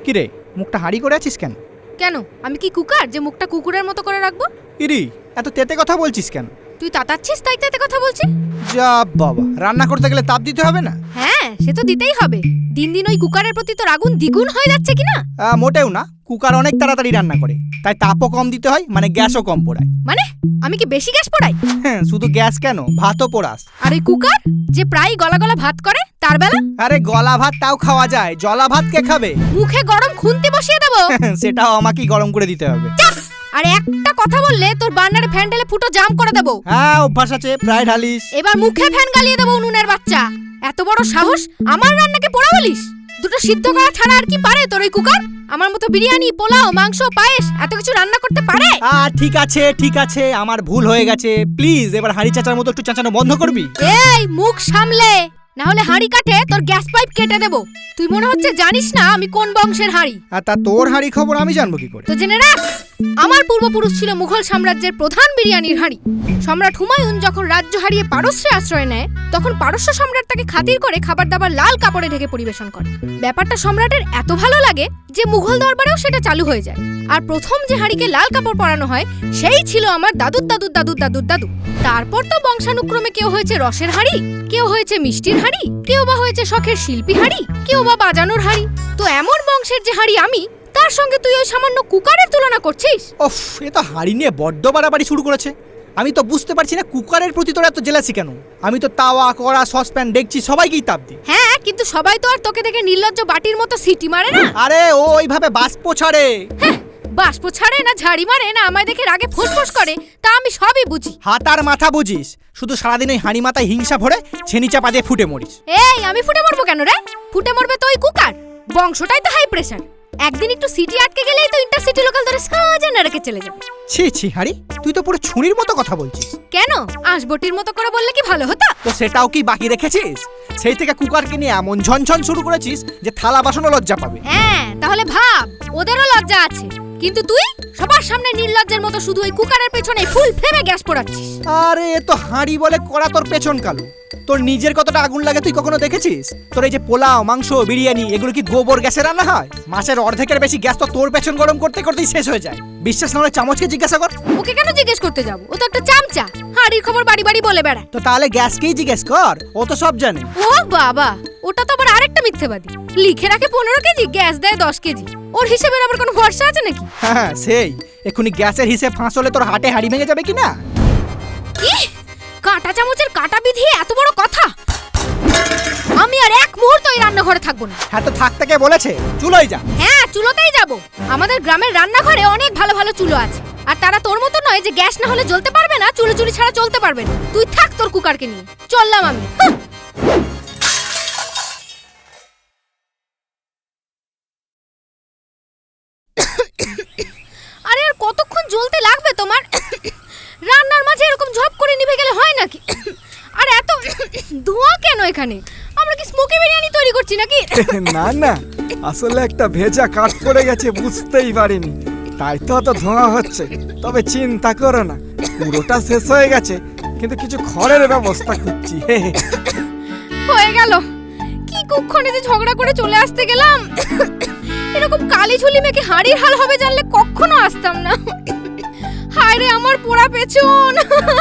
কিরে মুখটা হাঁড়ি করে আছিস কেন? কেন আমি কি কুকার যে মুখটা কুকুরের মতো করে রাখবো? ইরি এত তেতে কথা বলছিস কেন? তুই তাতাচ্ছিস তাই তাতে কথা বলছি। যা বাবা, রান্না করতে গেলে তাপ দিতে হবে না? হ্যাঁ সে তো দিতেই হবে। দিন দিন ওই কুকারের প্রতি তোর আগুন দ্বিগুণ হয়ে যাচ্ছে কিনা? মোটেও না, কুকার অনেক তাড়াতাড়ি রান্না করে, তাই তাপও কম দিতে হয়, মানে গ্যাসও কম পোড়ায়। মানে আমি কি বেশি গ্যাস পোড়াই? হ্যাঁ, শুধু গ্যাস কেন, ভাতও পোড়াস। আর ওই কুকার যে প্রায় গলা গলা ভাত করে তার বেলা? আরে গলা ভাত তাও খাওয়া যায়, জলা ভাত কে খাবে? মুখে গরম খুন্তি বসিয়ে দেবো। সেটাও আমাকেই গরম করে দিতে হবে। আর একটা কথা বললে তোর বান্নারে ফ্যান ঢেলে ফুটো জাম করে দেবো। হ্যাঁ অভ্যাস আছে, প্রায় ঢালিস। এবার মুখে ফ্যান গালিয়ে দেবো উনুনের বাচ্চা। এত বড় সাহস আমার রান্নাকে পোড়া বলিস? দুটো সিদ্ধ করা ছাড়া আর কি পারে তোর ওই কুকার? আমার মতো বিরিয়ানি, পোলাও, মাংস, পায়েস এত কিছু রান্না করতে পারে? ঠিক আছে ঠিক আছে, আমার ভুল হয়ে গেছে। প্লিজ এবার হাঁড়ি চাচার মতো একটু চাচানো বন্ধ করবি? এই মুখ সামলে, না হলে হাঁড়ি কাটে তোর গ্যাস পাইপ কেটে দেবো। তুই মনে হচ্ছে জানিস না আমি কোন বংশের হাঁড়ি। আর তা তোর হাঁড়ি খবর আমি জানবো কি করে? তো জেনে রাখ, আমার পূর্বপুরুষ ছিল মুঘল সাম্রাজ্যের প্রধান বিরিয়ানির হাঁড়ি। সম্রাট হুমায়ুন যখন রাজ্য হারিয়ে পারস্যে আশ্রয় নেয়, তখন পারস্য সম্রাট তাকে খাতির করে খাবার দাবার লাল কাপড়ে ঢেকে পরিবেশন করে। ব্যাপারটা সম্রাটের এত ভালো লাগে যে মুঘল দরবারেও সেটা চালু হয়ে যায়। আর প্রথম যে হাঁড়িকে লাল কাপড় পরানো হয় সেই ছিল আমার দাদুর দাদুর দাদুর দাদুর দাদু। তারপর তো বংশানুক্রমে কেউ হয়েছে রসের হাঁড়ি, কেউ হয়েছে মিষ্টির হাঁড়ি, কেউ বা হয়েছে শখের শিল্পী হাঁড়ি, কেউ বা বাজানোর হাঁড়ি। তো এমন বংশের যে হাঁড়ি আমি, তার সঙ্গে তুই ওই সামান্য কুকারের তুলনা করছিস? ওফ, এ তো হাঁড়ি নিয়ে বড্ড বাড়াবাড়ি শুরু করেছে। আমি তো বুঝতে পারছি না কুকারের প্রতি তোর এত জেলাসি কেন? আমি তো তাওয়া, কড়া, সসপ্যান, ডেকচি সবাইকেই তাপ দিই। হ্যাঁ, কিন্তু সবাই তো আর তোকে দেখে নির্লজ্জ বাটির মতো সিটি মারে না। আরে ও ওইভাবে বাষ্প ছাড়ে। হ্যাঁ, বাষ্প ছাড়ে না ঝাড়ি মারে না আমায় দেখে রাগে ফোঁস করে, তা আমি সবই বুঝি। হাত আর মাথা বুঝিস, শুধু সারাদিন ওই হাঁড়ি মাথায় হিংসা ভরে ছেনি চাপা দিয়ে ফুটে মরিস। এই আমি ফুটে মরবো কেন রে? ফুটে মরবে তো ওই কুকার, বংশটাই তো হাই প্রেসার। একদিন একটু সিটি আটকে গেলেই তো ইন্টারসিটি লোকাল ধরে সাজা না রেখে চলে যাবে। ছি ছি হাঁড়ি, তুই তো পুরো ছুরির মতো কথা বলছিস। কেন, আঁশবটির মতো করে বললে কি ভালো হতো? তো সেটাও কি বাকি রেখেছিস? সেই থেকে কুকারকে নিয়ে এমন ঝনঝন শুরু করেছিস যে থালা বাসনও লজ্জা পাবে। হ্যাঁ, তাহলে ভাব ওদেরও লজ্জা আছে, কিন্তু তুই সবার সামনে নির্লজ্জের মতো শুধু ওই কুকারের পেছনে ফুল ফ্লেমে গ্যাস পোড়াচ্ছিস। আরে এ তো হাঁড়ি বলে কড়া, তোর পেছন কালো। তোর নিজের কতটা আগুন লাগে তুই কখনো দেখেছিস? তোর এই যে পোলাও, মাংস, বিরিয়ানি এগুলো কি গোবর গ্যাসে রান্না হয়? মাছের অর্ধেকের বেশি গ্যাস তো তোর পেছন গরম করতে করতেই শেষ হয়ে যায়। বিশ্বাস না হলে চামচকে জিজ্ঞাসা কর। ওকে কেন জিজ্ঞেস করতে যাবো? ও তো একটা চামচা, হাঁড়ির খবর বাড়ি বাড়ি বলে বেড়ায়। তো তাহলে গ্যাসকেই জিজ্ঞেস কর, ও তো সব জানে। ও বাবা, ওটা তো আবার আরেকটা মিথ্যেবাদী। লিখে রাখে 15 কেজি, গ্যাস দেয় 10 কেজি। ওর হিসেবের আবার কোনো ভরসা আছে নাকি? হ্যাঁ সেই, এক্ষুনি গ্যাসের হিসেব ফাঁস হলে তোর হাটে হাঁড়ি ভেঙে যাবে কিনা? কি কাঁটা চামচের কাঁটা বিধিয়ে এত বড় কথা? আমি আর এক মুহূর্ত এই রান্নাঘরে থাকবো না। হ্যাঁ তো থাকতে কে বলেছে? চুলোই যা। হ্যাঁ, চুলোতেই যাব। আমাদের গ্রামের রান্নাঘরে অনেক ভালো ভালো চুলো আছে, আর তারা তোর মতো নয় যে গ্যাস না হলে জ্বলতে পারবে না, চুলো চুরি ছাড়া চলতে পারবে না। তুই থাক তোর কুকারকে নিয়ে, চললাম আমি। আরে আর কতক্ষণ জ্বলতে লাগবে তোমার? রান্নার মাঝে এরকম ঝপ করে নিভে গেলে হয় নাকি? আর এত ধোঁয়া কেন এখানে? আমরা কি স্মোকি বিরিয়ানি তৈরি করছি নাকি? না না, আসলে একটা ভেজা কাঠ পড়ে গেছে, বুঝতেই পারিনি, তাই তো অত ধোঁয়া হচ্ছে। তবে চিন্তা করো না, পুরোটা শেষ হয়ে গেছে, কিন্তু কিছু খড়ের ব্যবস্থা করছি। হয়ে গেল। কি কুক্ষণে যে ঝগড়া করে চলে আসতে গেলাম। এরকম কালি ঝুলি মেখে হাঁড়ির হাল হবে জানলে কখনো আসতাম না। হায় রে আমার পোড়া পেছন।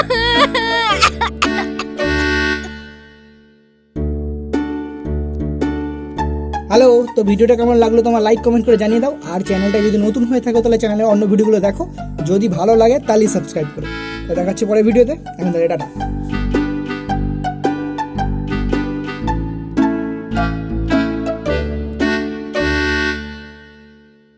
হ্যালো, তো ভিডিওটা কেমন লাগলো তোমার লাইক কমেন্ট করে জানিয়ে দাও। আর চ্যানেলটা যদি নতুন হয়ে থাকো তাহলে চ্যানেলের অন্য ভিডিওগুলো দেখো, যদি ভালো লাগে তাহলে সাবস্ক্রাইব করো। তো দেখাচ্ছি পরের ভিডিওতে, এখন টাটা।